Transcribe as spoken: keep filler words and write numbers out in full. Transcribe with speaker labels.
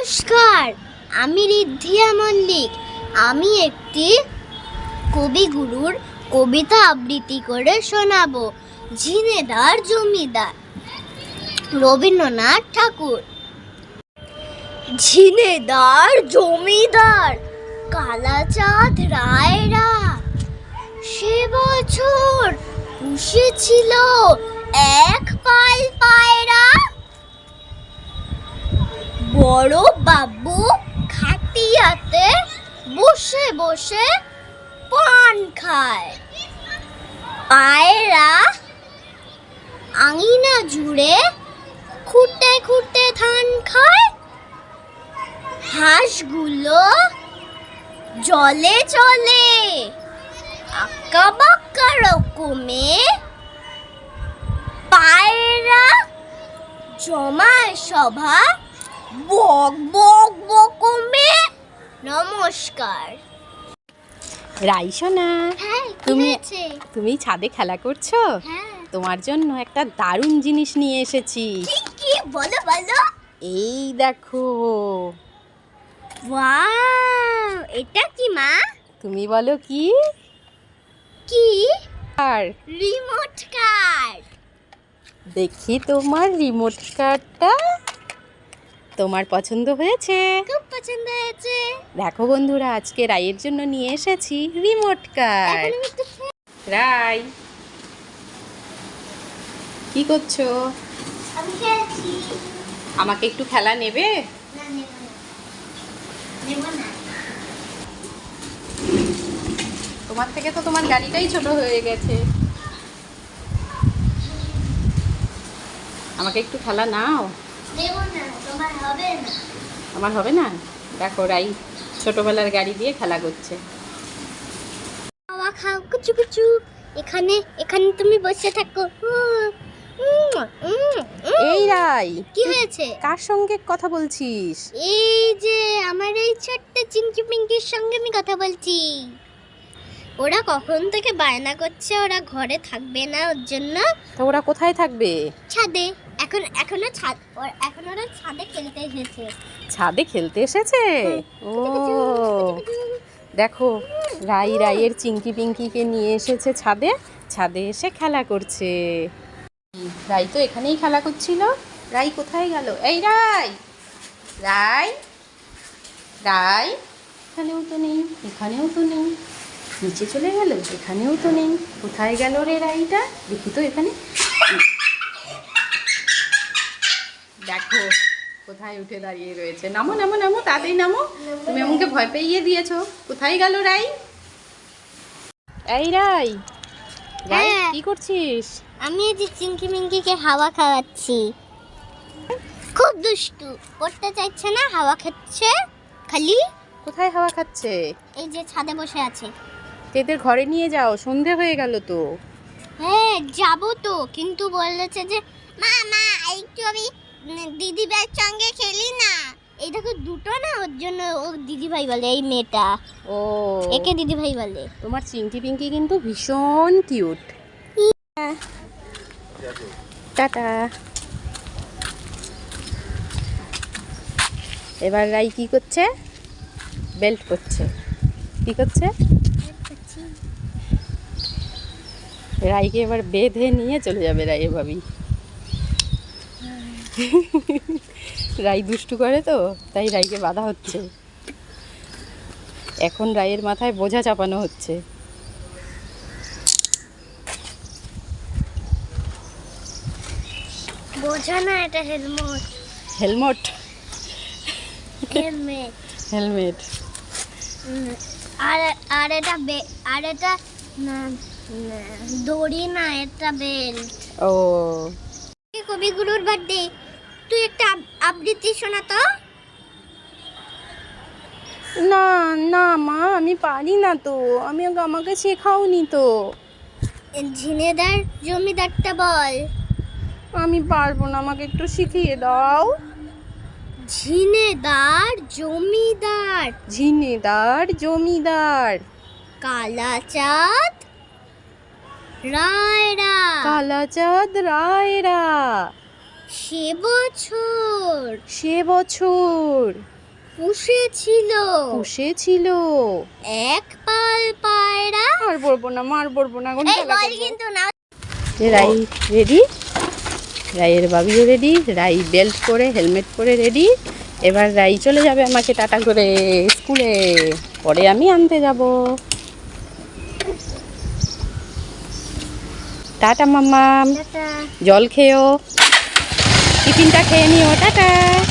Speaker 1: নমস্কার, আমি রিদ্ধিয়া মল্লিক। আমি একটি কবিগুরুর কবিতা আবৃত্তি করে শোনাবো। ঝিনেদার জমিদার, রবীন্দ্রনাথ ঠাকুর। ঝিনেদার জমিদার কালাচাঁদ রায়রা সে বছর পুষেছিল এক পাল পায়রা। বড় বাবু খাটিয়াতে বসে বসে পান খায়। পায়রা আঙিনা জুড়ে খুঁটে খুঁটে ধান খায়। হাঁসগুলো জলে চলে আঁকা বাঁকা রকমে। পায়রা জমায় সভা বক বক বকমে। নমস্কার।
Speaker 2: রাই সোনা,
Speaker 1: হ্যাঁ,
Speaker 2: তুমি তুমি ছাদে খেলা করছো?
Speaker 1: হ্যাঁ।
Speaker 2: তোমার জন্য একটা দারুণ জিনিস নিয়ে এসেছি।
Speaker 1: কি কি বলো বলো।
Speaker 2: এই দেখো।
Speaker 1: ওয়াও, এটা কি মা?
Speaker 2: তুমি বলো কি?
Speaker 1: কি?
Speaker 2: আর
Speaker 1: রিমোট কার।
Speaker 2: দেখি তোমার রিমোট কারটা। তোমার পছন্দ হয়েছে?
Speaker 1: খুব পছন্দ হয়েছে।
Speaker 2: দেখো বন্ধুরা, আজকে রাইয়ের জন্য নিয়ে এসেছি রিমোট কার।
Speaker 1: এখন আমি একটু
Speaker 2: রাই, কি করছো?
Speaker 1: আমি খেলছি।
Speaker 2: আমাকে একটু খেলা নেবে?
Speaker 1: না, নেব না। নেব না।
Speaker 2: তোমার থেকে তো তোমার গাড়িটাই ছোট হয়ে গেছে। আমাকে একটু খেলা নাও।
Speaker 1: নেব না, তোমার হবে না।
Speaker 2: আমার হবে না? দেখো রাই ছোটবেলার গাড়ি দিয়ে খেলা করছে।
Speaker 1: খাওয়া খাও কুচু কুচু। এখানে এখানে তুমি বসে থাকো। উম, উম, উম, উম।
Speaker 2: এই রাই,
Speaker 1: কি হয়েছে?
Speaker 2: কার সঙ্গে কথা বলছিস?
Speaker 1: এই যে আমার এই ছোট্ট চিংকি পিঙ্কির সঙ্গে আমি কথা বলছি। ওরা কখন থেকে বায়না করছে ওরা ঘরে থাকবে না, ওর জন্য
Speaker 2: তো ওরা কোথায় থাকবে?
Speaker 1: ছাদে। এখন এখনো ছাদ ওর এখন ওরা ছাদে খেলতে এসেছে।
Speaker 2: ছাদে খেলতে এসেছে? ও দেখো, রাই রাইয়ের চিংকি পিঙ্কিকে নিয়ে এসেছে ছাদে। ছাদে এসে খেলা করছে। রাই তো এখানেই খেলা করছিল। রাই কোথায় গেল? এই রাই, রাই, রাই, এখানেও তো নেই, এখানেও তো নেই। নিচে চলে গেল, এখানেও তো নেই। কোথায় গেল রে রাইটা? দেখি তো এখানে। দেখো কোথায় উঠে দাঁড়িয়ে রয়েছে। নামো নামো নামো, তাড়াতাড়ি নামো। তুমি আমাকে ভয় পেয়ে দিয়েছো। কোথায় গেল রাই? এই রাই, রাই
Speaker 1: হ্যাঁ।
Speaker 2: কি করছিস?
Speaker 1: আমি এই যে চিংকি মিঙ্কিকে হাওয়া খাওয়াচ্ছি। খুব দুষ্টু, করতে চাইছে না, হাওয়া খাচ্ছে খালি।
Speaker 2: কোথায় হাওয়া খাচ্ছে?
Speaker 1: এই যে ছাদে বসে আছে।
Speaker 2: এদের ঘরে নিয়ে যাও, সন্ধে হয়ে গেল তো।
Speaker 1: হ্যাঁ যাবো তো, কিন্তু বলেছে যে মা মা একটু আমি দিদি ভাইয়ের সঙ্গে খেলি না। এই দেখো দুটো না, ওর জন্য ও দিদি ভাই বলে। এই মেয়েটা
Speaker 2: ও,
Speaker 1: একে দিদি ভাই বলে।
Speaker 2: তোমার চিংকি পিঙ্কি কিন্তু ভীষণ কিউট। টাটা। এবার রাই কি করছে? বেল্ট করছে। কি করছে? রাইকে এবার বেঁধে নিয়ে চলে যাবে রাই এভাবেই। রাই দুষ্টু করে তো, তাই রাইকে বাধা হচ্ছে। এখন রাইয়ের মাথায় বোঝা চাপানো হচ্ছে।
Speaker 1: বোঝা না, এটা হেলমেট।
Speaker 2: Helmet,
Speaker 1: helmet.
Speaker 2: হেলমেট।
Speaker 1: আর আর এটা বে- আর এটা না, না, দড়ি না, এটা বেল্ট।
Speaker 2: ও,
Speaker 1: কবিগুরুর বার্থডে, তুই একটা আব- আবৃত্তি শোনা তো।
Speaker 2: না না মা, আমি পারি না তো। আমি আমাকে শেখাওনি তো।
Speaker 1: ঝিনেদার জমিদারটা বল।
Speaker 2: আমি পারবো না, আমাকে একটু শিখিয়ে দাও।
Speaker 1: ঝিনেদার জমিদার
Speaker 2: ঝিনেদার জমিদার
Speaker 1: কালাচাঁদ রায়রা
Speaker 2: কালাচাঁদ রায়রা
Speaker 1: সে বছর
Speaker 2: সে বছর
Speaker 1: পুষেছিল
Speaker 2: পুষেছিল।
Speaker 1: এক পাল পায়রা।
Speaker 2: আর বলবো না, মার বলবো না,
Speaker 1: এই বল কিন্তু না।
Speaker 2: রাই রেডি, রাইয়ের বাবিও রেডি, রাই বেল্ট পরে হেলমেট পরে রেডি। এবার রাই চলে যাবে আমাকে টাটা করে স্কুলে, পরে আমি আনতে যাব। Tata mamma,
Speaker 1: tata.
Speaker 2: জল খেয়েও, টিফিনটা খেয়ে নিও, টাটা।